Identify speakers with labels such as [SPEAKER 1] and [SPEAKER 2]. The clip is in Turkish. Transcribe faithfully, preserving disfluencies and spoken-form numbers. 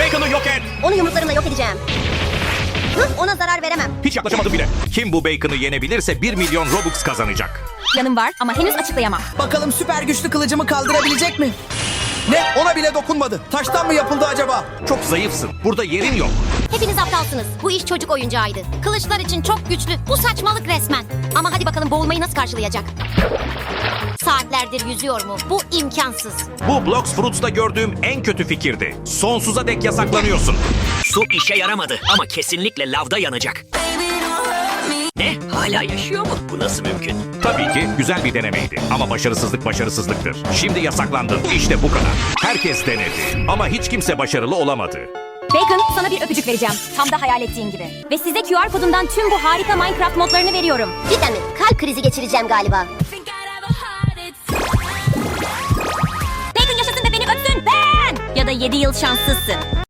[SPEAKER 1] Bacon'ı yok et.
[SPEAKER 2] Onu yumruklarımla yok edeceğim. Hı, ona zarar veremem.
[SPEAKER 1] Hiç yaklaşamadım bile. Kim bu Bacon'ı yenebilirse bir milyon Robux kazanacak.
[SPEAKER 3] Planım var ama henüz açıklayamam.
[SPEAKER 4] Bakalım süper güçlü kılıcımı kaldırabilecek mi? Ne? Ona bile dokunmadı. Taştan mı yapıldı acaba?
[SPEAKER 1] Çok zayıfsın. Burada yerin yok.
[SPEAKER 2] Hepiniz aptalsınız. Bu iş çocuk oyuncağıydı. Kılıçlar için çok güçlü. Bu saçmalık resmen. Ama hadi bakalım boğulmayı nasıl karşılayacak? Saatlerdir yüzüyor mu? Bu imkansız.
[SPEAKER 1] Bu Blox Fruits'ta gördüğüm en kötü fikirdi. Sonsuza dek yasaklanıyorsun.
[SPEAKER 5] Su işe yaramadı ama kesinlikle lavda yanacak. Ne? Hala yaşıyor mu? Bu nasıl mümkün?
[SPEAKER 1] Tabii ki güzel bir denemeydi. Ama başarısızlık başarısızlıktır. Şimdi yasaklandın. İşte bu kadar. Herkes denedi. Ama hiç kimse başarılı olamadı.
[SPEAKER 3] Bacon, sana bir öpücük vereceğim. Tam da hayal ettiğin gibi. Ve size Q R kodundan tüm bu harika Minecraft modlarını veriyorum.
[SPEAKER 2] Cidden mi? Kalp krizi geçireceğim galiba.
[SPEAKER 3] Bacon yaşasın ve beni öpsün. Ben! Ya da yedi yıl şanssızsın.